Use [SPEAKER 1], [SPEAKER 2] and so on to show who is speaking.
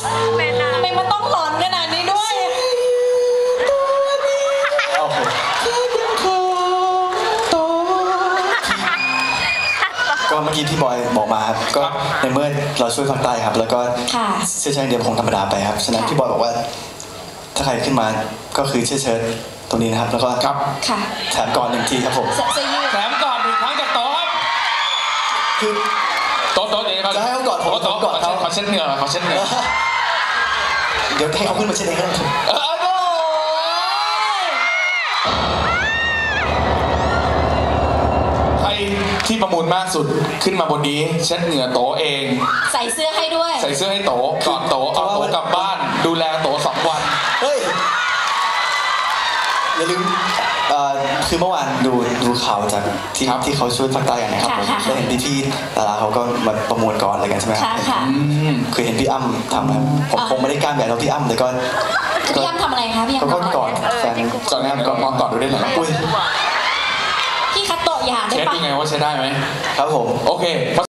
[SPEAKER 1] ทำไมมันต้องหลอนขนาดนี้ด้วย
[SPEAKER 2] ก็เมื่อกี้ที่บอยบอกมาครับก็ในเมื่อเราช่วยภาคใต้ครับแล้วก็เสื้อเชิ้ตเดียวคงธรรมดาไปครับฉะนั้นพี่บอยบอกว่าถ้าใครขึ้นมาก็คือเสื้อเชิ้ตตรงนี้นะครับแล้วก็แถมก่อน1 ทีครับผม
[SPEAKER 3] แถมก่อน1 ครั้งจากโต๊ะครับ
[SPEAKER 2] คือ
[SPEAKER 3] โต๊ะเดี๋ยวเขา
[SPEAKER 2] จะให้เขากอดผม
[SPEAKER 3] โต๊ะก่อนเขาเช็ดเหงื่อเขาเช็ดเหงื่อ
[SPEAKER 2] เดี๋ยวให้เขาขึ้นมาเช็ดเองครับ
[SPEAKER 3] ใครที่ประมูลมากสุดขึ้นมาบนนี้เช็ดเหงื่อโต๊ะเอง
[SPEAKER 1] ใส่เสื้อให้ด้วย
[SPEAKER 3] ใส่เสื้อให้โต๊ะก่อนโต๊ะเอาโต๊ะกลับบ้านดูแลโต๊ะ2 วัน
[SPEAKER 2] เฮ้ยอย่าลืมคือเมื่อวานดูข่าวจากที่เขาช่วยภาคใต้กันนะครับแล้วเห็นพี่ดาราเขาก็มาประมวลก่อนอะไรกันใช่ไหมคือเห็นพี่อ้ำทำนะผมคงไม่ได้กล้าแบบเราพี่อ้ำแต่ก็
[SPEAKER 1] พี่อ้ำทำอะไรคะพี่อ้ำ
[SPEAKER 2] ก็กอดแฟน
[SPEAKER 3] ก่อนงานก่อนมองก่อนดูได้ไหม
[SPEAKER 1] พี่คัตโตะอย่าได้ปะ
[SPEAKER 3] เช็ดยังไงว่าใช้ได้ไหม
[SPEAKER 2] ครับผม
[SPEAKER 3] โอเค